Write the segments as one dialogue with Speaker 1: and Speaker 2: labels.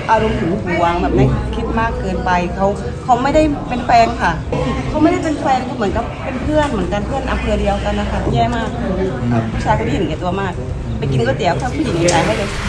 Speaker 1: อารมณ์หึงหวงแบบไม่คิดมากเกินไปเขาไม่ได้เป็นแฟนค่ะเขาไม่ได้เป็นแฟนเขาเหมือนกับเป็นเพื่อนเหมือนกันเพื่อนอำเภอเดียวกันนะคะแย่มากผู้ชายคนนี้เห็นแก่ตัวมากไปกินก๋วยเตี๋ยวถ้าผู้หญิงจ่ายให้เลย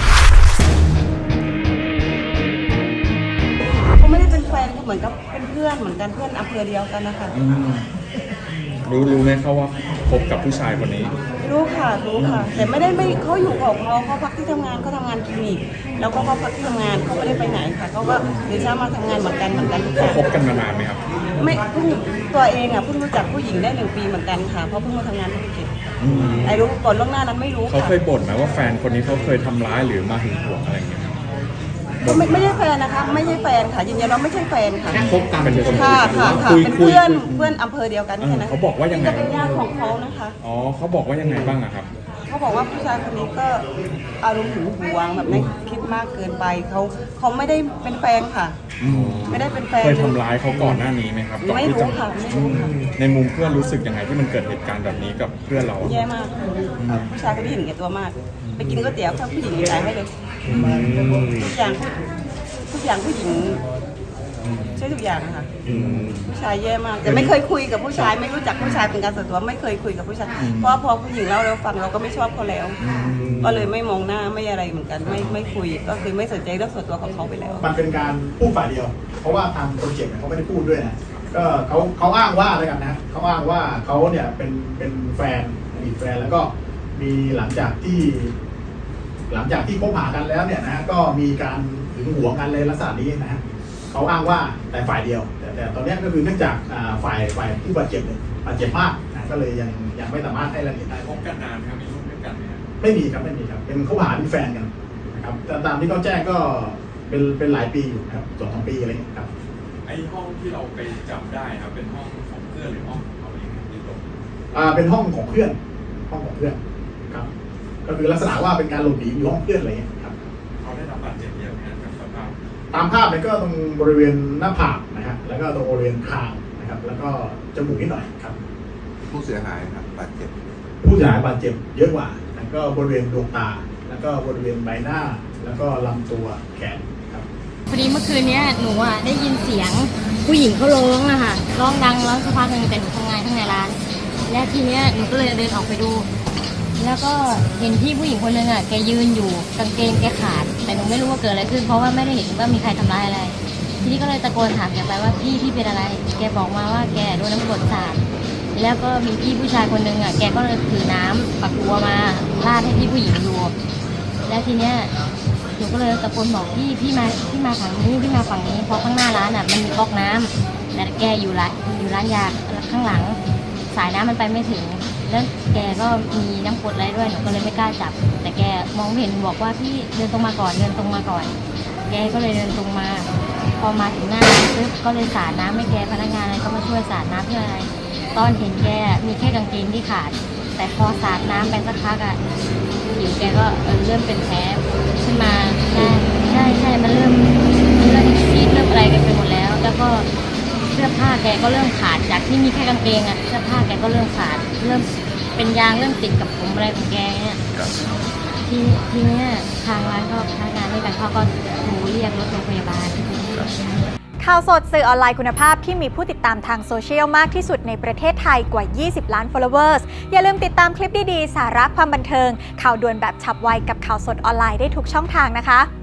Speaker 1: เขาไม่ได้เป็นแฟนเขาเหมือนกับเป็นเพื่อนเหมือนกันเพื่อนอำเภอเดียวกันนะคะ
Speaker 2: รู้ไหมเขาว่าคบกับผู้ชายคนนี้
Speaker 1: รู้ค่ะแต่ไม่เขาอยู่ของเขาพักที่ทำงานเขาทำงานคลินิกแล้วก็เขาพักที่ทำงานเขาไม่ได้ไปไหนค่ะเขาก็เดี๋ยวเช้ามาทำงานเหมือนกัน
Speaker 2: เขาคบกันมานานไหมครับ
Speaker 1: ไม่เพิ่งตัวเองเพิ่งรู้จักผู้หญิงได้1 ปีเหมือนกันค่ะเพราะเพิ่งมาทำงานที่ภูเก็ตไอ้รู้ก่อนล่วงหน้านั้นไม่รู้
Speaker 2: เขาเคยบ่นไหมว่าแฟนคนนี้เขาเคยทำร้ายหรือมาหึงหวงอะไรอย่างเงี้ย
Speaker 1: ไม่ใช่แฟนนะคะไม่ใช่แฟนค่ะยืนยันว่าไม่ใช่แฟนค่ะ
Speaker 2: คบกันเป็นคน
Speaker 1: ค่ะเป็นเพื่อนอำเภอเดียวกันแค่นั้น
Speaker 2: เขาบอกว่ายังไง
Speaker 1: จะเป็นญาติของเขานะคะ
Speaker 2: อ๋อเขาบอกว่ายังไงบ้างอะครับ
Speaker 1: เขาบอกว่าผู้ชายคนนี้ก็อารมณ์หึงหวงแบบไม่คิดมากเกินไปเขาไม่ได้เป็นแฟนค่ะไม่ได้เป็นแฟน
Speaker 2: เคยทำร้ายเขาก่อนหน้านี้ไหมครับ
Speaker 1: ไม่รู้ค่ะ
Speaker 2: ในมุมเพื่อนรู้สึกยังไงที่มันเกิดเหตุการณ์แบบนี้กับเพื่อนเรา
Speaker 1: แย่มากผู้ชายคนนี้เห็นแก่ตัวมากไปกินก๋วยเตี๋ยวถ้าผู้หญิงจ่ายให้เลยทุกอย่างผู้หญิงใช่ทุกอย่างนะคะผู้ชายแย่มากแต่ไม่เคยคุยกับผู้ชายไม่รู้จักผู้ชายเป็นการส่วนตัวไม่เคยคุยกับผู้ชายเพราะพอผู้หญิงเล่าเราฟังเราก็ไม่ชอบเขาแล้วก็เลยไม่มองหน้าไม่อะไรเหมือนกันไม่คุยก็คือไม่สนใจเรื่องส่วนตัวของเขาไปแล้ว
Speaker 3: มันเป็นการพูดฝ่ายเดียวเพราะว่าทางคนเจ็บเขาไม่ได้พูดด้วยนะก็เขาอ้างว่าอะไรกันนะเขาอ้างว่าเขาเนี่ยเป็นแฟนอดีตแฟนแล้วก็มีหลังจากที่คบหากันแล้วเนี่ยนะก็มีการหึงหวงกันเลยลักษณะนี้นะเขาอ้างว่าแต่ฝ่ายเดียวแต่ตอนนี้ก็คือเนื่องจากฝ่ายผู้บาดเจ็บเนี่ยบาดเจ็บมากนะก็เลยยังไม่สามารถให้รายละเอียดได้
Speaker 2: คบกันนานครับมีลูกด้วยกันไหมครับ
Speaker 3: ไม่มีครับเป็นเขาหาเป็นแฟนกันนะครับแต่ตามที่เขาแจ้งก็เป็นหลายปีอยู่ครับ2-3 ปีอะไรอย่างเงี้ยครับ
Speaker 2: ไอ้ห้องที่เราไปจับได้ครับเป็นห้องของเพื่อนหรือห้องของเขาเองที่ตรง
Speaker 3: เป็นห้องของเพื่อนครับก็คือลักษณะว่าเป็นการหลบหนีอยู่ห้องเพื่อนอะไรอย่างเงี้ยครับ
Speaker 2: เขาได้รับบาดเจ็บเยอะไหมครับสภาพ
Speaker 3: ตามภาพเนี่ยก็ตรงบริเวณหน้าผากนะฮะแล้วก็ตรงบริเวณคางนะครับแล้วก็จมูกนิดหน่อยครับ
Speaker 4: ผู้เสียหายครับบาดเจ็บ
Speaker 3: ผู้เสียหายบาดเจ็บเยอะกว่าแล้วก็บริเวณดวงตาแล้วก็บริเวณใบหน้าแล้วก็ลำตัวแขนครับ
Speaker 5: พอดีเมื่อคืนนี้หนูได้ยินเสียงผู้หญิงเขาร้องอะค่ะร้องดังแล้วสักพักหนึ่งแต่หนูทำงานข้างในร้านและทีนี้หนูก็เลยเดินออกไปดูแล้วก็เห็นพี่ผู้หญิงคนนึงอะแกยืนอยู่กางเกงแกขาดแต่หนูไม่รู้ว่าเกิดอะไรขึ้นเพราะว่าไม่ได้เห็นว่ามีใครทำร้ายอะไรทีนี้ก็เลยตะโกนถามแกไปว่าพี่เป็นอะไรแกบอกมาว่าแกโดนน้ำกรดสาดแล้วก็มีพี่ผู้ชายคนนึงอะแกก็เลยถือน้ำปักตัวมาราดให้พี่ผู้หญิงดูแล้วทีเนี้ยหนูก็เลยตะโกนบอกพี่มาฝั่งนี้พี่มาฝั่งนี้เพราะข้างหน้าร้านอ่ะมันมีก๊อกน้ำแต่แกอยู่ร้านยาข้างหลังสายน้ำมันไปไม่ถึงแล้วแกก็มีน้ำกรดอะไรด้วยหนูก็เลยไม่กล้าจับแต่แกมองไม่เห็นบอกว่าพี่เดินตรงมาก่อนแกก็เลยเดินตรงมาพอมาถึงหน้าปึ๊บก็เลยสาดน้ำให้แกพนักงานอะไรก็มาช่วยสาดน้ำเพื่ออะไรตอนเห็นแกมีแค่กางเกงที่ขาดแต่พอสาดน้ำไปสักพักอ่ะผิวแกก็เริ่มเป็นแผลขึ้นมาใช่มันเริ่มซีดเริ่มอะไรกันไปหมดแล้วแล้วก็เสื้อผ้าแกก็เริ่มขาดจากที่มีแค่กางเกงอ่ะเสื้อผ้าแกก็เริ่มขาดเริ่มเป็นยางเริ่มติดกับผมอะไรของแกเนี่ยทีนี้ทางร้านก็พนักงานด้วยกันเขาก็โทรเรียกรถโรงพยาบาล
Speaker 6: ข่าวสดสื่อออนไลน์คุณภาพที่มีผู้ติดตามทางโซเชียลมากที่สุดในประเทศไทยกว่า 20 ล้าน followers อย่าลืมติดตามคลิปดีๆสาระความบันเทิงข่าวด่วนแบบฉับไวกับข่าวสดออนไลน์ได้ทุกช่องทางนะคะ